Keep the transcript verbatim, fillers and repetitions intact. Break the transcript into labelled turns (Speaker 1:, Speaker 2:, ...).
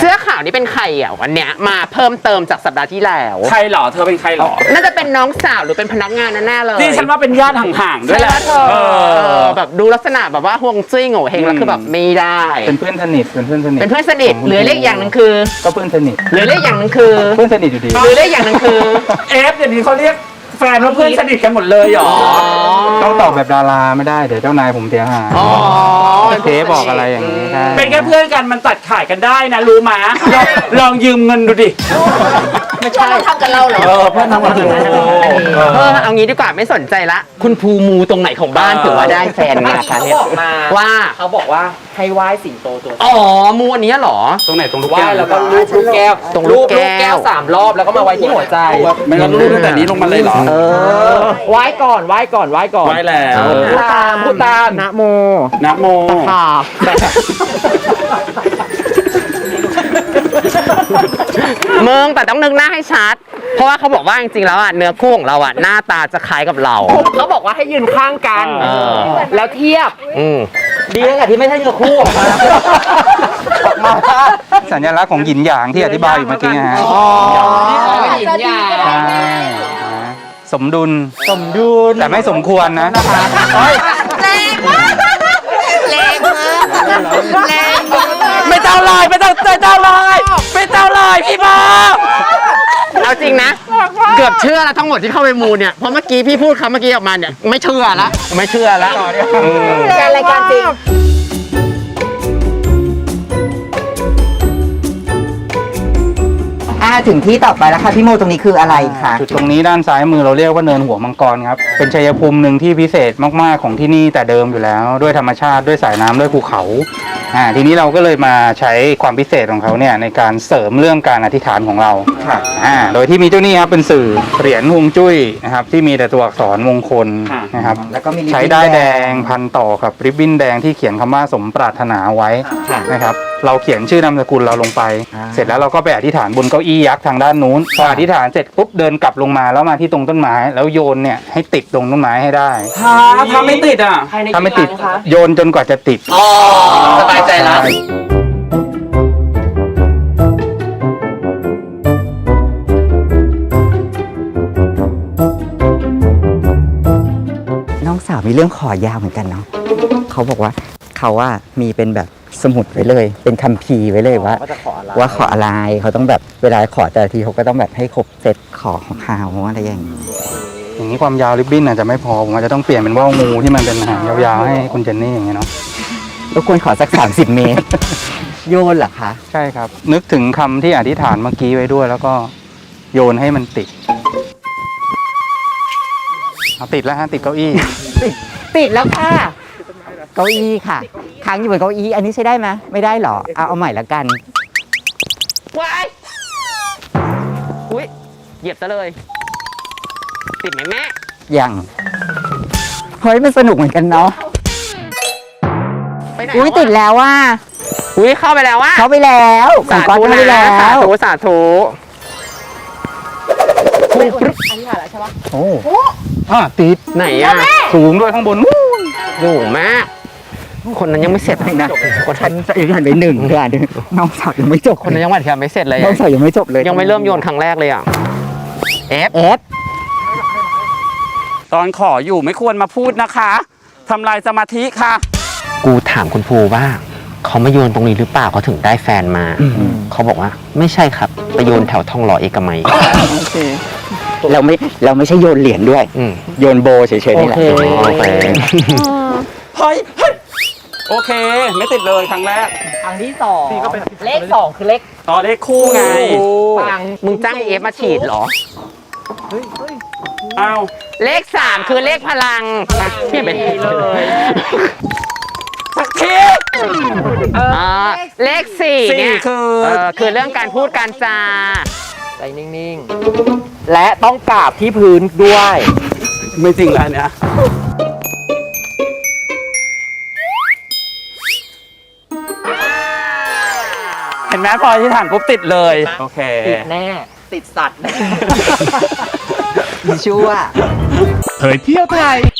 Speaker 1: เสื้อขาวนี่เป็นใครอ่ะวันเนี้ยมาเพิ่มเติมจากสัปดาห์ที่แล้ว
Speaker 2: ใครหรอเธอเป็นใครหรอ
Speaker 1: น่าจะเป็นน้องสาวหรือเป็นพนักงานแน่ๆเลย
Speaker 2: นี่ฉันว่าเป็นญาติห่างๆด้วยแหละ
Speaker 1: เออแบบดูลักษณะแบบว่าห่วงจุ้ยโง่เฮงแล้วคือแบบไม่ได้
Speaker 3: เป็นเพื่อนสนิทเป็นเพื่อนสนิท
Speaker 1: เป็นเพื่อนสนิทหรือเลขอย่างหนึ่งคือ
Speaker 3: ก็เพื่อนสนิท
Speaker 1: หรือเลขอย่างหนึ่งคือ
Speaker 3: เพื่อนสนิทอยู่ดี
Speaker 1: หรือเลขอย่างหนึ่งคือ
Speaker 2: เอฟเดี๋ยวนี้เขาเรียกแฟนว่าเพื่อนสนิทกันหมดเลยหรอ
Speaker 3: ต้องตอบแบบดาราไม่ได้เดี๋ยวเจ้านายผมเสียหายเทปบอกอะไรอย่างนี้ใช่
Speaker 2: เป็นแค่เพื่อนกันมันตัดขายกันได้นะรู้มั้ยลองยืมเงินดูดิ
Speaker 1: ไม่ใช่ทำกันเราเหรอ
Speaker 2: เออเพื่อนทำกัน
Speaker 1: เออเอางี้ดีกว่าไม่สนใจละคุณภูมูตรงไหนของบ้านถือว่าได้แฟนมาคะเนี่ยว่า
Speaker 4: เขาบอกว่าให้ไหว้สิงโตตัว
Speaker 1: อ๋อมูอันนี้เหรอ
Speaker 3: ตรงไหนตรงลูก
Speaker 4: แก้วแล้วก็ลูกลูกแก้ว
Speaker 1: ตรงลูกแก้ว
Speaker 4: สามรอบแล้วก็มาไว้ที่หัวใจ
Speaker 2: ไม่ต้องลูกตั้งแต่นี้ลงมาเลยเหรอ
Speaker 4: เออไหว้ก่อนไหว้ก่อนไหว้ก่อน
Speaker 2: ไหว้แล้ว
Speaker 4: พูดตามพูดตามนะโม
Speaker 2: นะโม
Speaker 1: ค่ะเมืองแต่ต้องนึกหน้าให้ชัดเพราะว่าเขาบอกว่าจริงๆแล้วอ่ะเนื้อคู่ของเราอ่ะหน้าตาจะคล้ายกับเรา
Speaker 4: เขาบอกว่าให้ยืนข้างกันแล้วเทียบดีตั้งแต่ที่ไม่ใช่เนื้อคู่ออกมา
Speaker 3: ออกมาสัญลักษณ์ของหยินหยางที่อธิบายอยู่เมื่อกี้ฮะ
Speaker 4: อ๋อหยินหยาง
Speaker 3: สมดุล
Speaker 4: สมดุล
Speaker 3: แต่ไม่สมควรนะ
Speaker 1: แรงมากแรงมากแรง
Speaker 2: ไม่เจ้าลอยไม่เจ้าเจ้าลอยไม่เจ้าลอยพี่บ้า
Speaker 1: เอาจริงนะเกือบเชื่อแล้วทั้งหมดที่เข้าไปมูเนี่ยเพราะเมื่อกี้พี่พูดคำเมื่อกี้ออกมาเนี่ยไม่เชื่อละไม่เชื่อละ
Speaker 4: การรายการจริงถึงที่ต่อไปแล้วค่ะพี่โมตรงนี้คืออะไรคะ
Speaker 3: จุดตรงนี้ด้านซ้ายมือเราเรียกว่าเนินหัวมังกรครับเป็นชัยภูมิหนึ่งที่พิเศษมากๆของที่นี่แต่เดิมอยู่แล้วด้วยธรรมชาติด้วยสายน้ำด้วยภูเขาอ่าทีนี้เราก็เลยมาใช้ความพิเศษของเขาเนี่ยในการเสริมเรื่องการอธิษฐานของเราอ่าโดยที่มีเจ้านี่ครับเป็นสื่อเหรียญฮวงจุ้ยนะครับที่มีแต่ตัวอักษรมงคลนะครับแล้วก็มีใช้ได้แดงพันต่อกับริบบิ้นแดงที่เขียนคำว่าสมปรารถนาไว้นะครับเราเขียนชื่อนามสกุลเราลงไปเสร็จแล้วเราก็ไปอธิษฐานบนเก้าอี้ยักษ์ทางด้านนู้นพออธิษฐานเสร็จปุ๊บเดินกลับลงมาแล้วมาที่ตรงต้นไม้แล้วโยนเนี่ยให้ติดตรงต้นไม้ให้ได้
Speaker 2: ถ้าไม่ติดอ่ะ
Speaker 3: ถ้าไม่ติดโยนจนกว่าจะติด
Speaker 1: อ๋อสบายใจแล้ว
Speaker 4: น้องสาวมีเรื่องขอยาวเหมือนกันเนาะเขาบอกว่าเขาว่ามีเป็นแบบสมุดไว้เลยเป็นคัมภีร์ไว้เลยว่าว่าขออะไรเขาต้องแบบเวลาขอแต่ละทีเขาก็ต้องแบบให้ครบเซตขอของเขาอะไรอย่างนี้
Speaker 3: อย่างนี้ความยาวริบบิ้นอาจจะไม่พอผมอาจจะต้องเปลี่ยนเป็นว่าวงูที่มันเป็นหางยาวๆให้คุณเจนนี่อย่างเงี้ยเนาะ
Speaker 4: เราควรขอสักสามสิบเมตรโยนเหรอคะ
Speaker 3: ใช่ครับนึกถึงคำที่อธิษฐานเมื่อกี้ไว้ด้วยแล้วก็โยนให้มันติดเอาติดแล้วฮะติดเก้าอี้
Speaker 4: ติดติดแล้วค่ะเก้าอี้ค่ะค้างอยู่บนเก้าอี้อันนี้ใช้ได้ไหมไม่ได้หรอเอาเอาใหม่ละกัน
Speaker 1: ว้ายอุ้ยเหยียบซะเลยติดไหมแม่
Speaker 4: ยังเฮ้ยมันสนุกเหมือนกันเนาะอุ้ยติดแล้วว่า
Speaker 1: อุ้ยเข้าไปแล้วว่า
Speaker 4: เข้าไปแล้ว
Speaker 1: สาธุนะสาธุสาธุ
Speaker 4: อันนี้ผ่านแล้วใช่ปะ
Speaker 3: โอ้อ่ะติด
Speaker 1: ไหนอ่ะ
Speaker 3: สูงด้วยข้างบน
Speaker 1: สูงมากคนนั้นยังไม่เสร็จเลยนะ
Speaker 4: คนนั้นยังหันไปหนึ่งเลยอ่ะน้องสาวยังไม่จบ
Speaker 1: คนนั้นยังไม่ยังไม่เสร็จเลย
Speaker 4: น้องสาวยังไม่จบเลย
Speaker 1: ยังไม่เริ่มโยนครั้งแรกเลยอ่ะเอฟ
Speaker 4: เอฟ
Speaker 2: ตอนขออยู่ไม่ควรมาพูดนะคะทำลายสมาธิค่ะ
Speaker 1: กูถามคุณภูว่าเขามาโยนตรงนี้หรือเปล่าเขาถึงได้แฟนมาเขาบอกว่าไม่ใช่ครับไปโยนแถวทองหล่อเอกมัย
Speaker 4: เราไม่เราไม่ใช่โยนเหรียญด้วยโยนโบเฉยๆนี่แหละ
Speaker 1: โอเค
Speaker 2: เฮ้ยโอเคไม่ติดเลยครั้งแรก
Speaker 4: ครั้งที่สองเลขสองคือเลข
Speaker 2: ต่อเลขคู่ไง
Speaker 1: ปังมึงจ้างเอฟมาฉีดเหรอ
Speaker 2: อ้าว
Speaker 1: เลขสามคือเลขพลังเปลี่ยนเป็นเลย
Speaker 2: สักที
Speaker 1: เลขสี่เนี่ยคือคือเรื่องการพูดการจา
Speaker 4: ใจนิ่งๆและต้องกราบที่พื้นด้วย
Speaker 2: ไม่จริงแล้วเนี่ยเห็นไหมพอที่ฐานปุ๊บติดเลยโอเค
Speaker 4: ติดแน่ติดสัตว์ชั่ว
Speaker 5: เผยเที่ยวไทย